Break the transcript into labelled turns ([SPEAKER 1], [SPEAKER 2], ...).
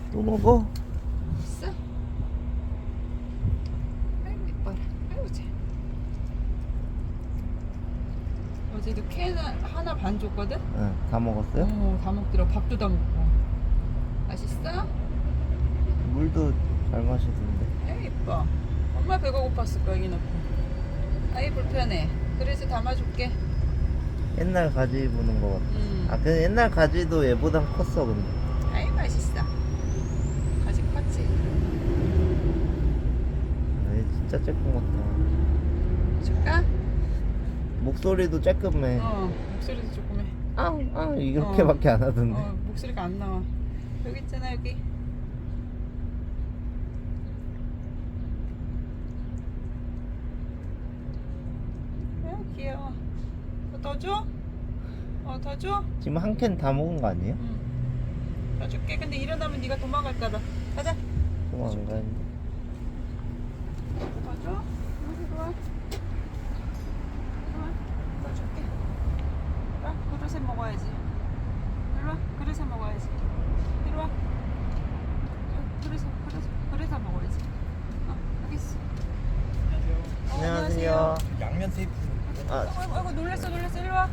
[SPEAKER 1] 또 먹어?
[SPEAKER 2] 있어? 아이고 이뻐라. 아이고 쟤. 어제도 캔 하나 반 줬거든?
[SPEAKER 1] 응, 다 먹었어요?
[SPEAKER 2] 다 먹더라. 밥도 다 먹고. 맛있어?
[SPEAKER 1] 물도 잘 마시던데.
[SPEAKER 2] 아이 이뻐. 엄마 배가 고팠을 거야 여기 놓고. 아이 불편해. 그래서 담아줄게.
[SPEAKER 1] 옛날 가지 보는 거 같아. 아, 근데 옛날 가지도 얘보단 컸어, 근데.
[SPEAKER 2] 아이 맛있어. 아직 컸지?
[SPEAKER 1] 아, 얘 진짜 쬐끔 같다.
[SPEAKER 2] 줄까?
[SPEAKER 1] 목소리도 쬐끔해.
[SPEAKER 2] 목소리도 조금 해.
[SPEAKER 1] 이렇게밖에 안 하던데.
[SPEAKER 2] 목소리가 안 나와. 여기 있잖아 여기. 귀여워. 더 줘? 더 줘?
[SPEAKER 1] 지금 한 캔 다 먹은 거 아니에요?
[SPEAKER 2] 더 줄게. 근데 일어나면 네가 도망갈까봐. 가자.
[SPEAKER 1] 좀 안 가는데.
[SPEAKER 2] 더 줘? 이리 와. 더 줄게. 자, 그릇에 먹어야지. 이리 와. 그릇에 먹어야지. 이리 와. 그릇에 먹어야지. 여기 있어.
[SPEAKER 1] 안녕하세요.
[SPEAKER 3] 양면 테이프.
[SPEAKER 1] 아,
[SPEAKER 2] 아이고 놀랬어. 이리 와.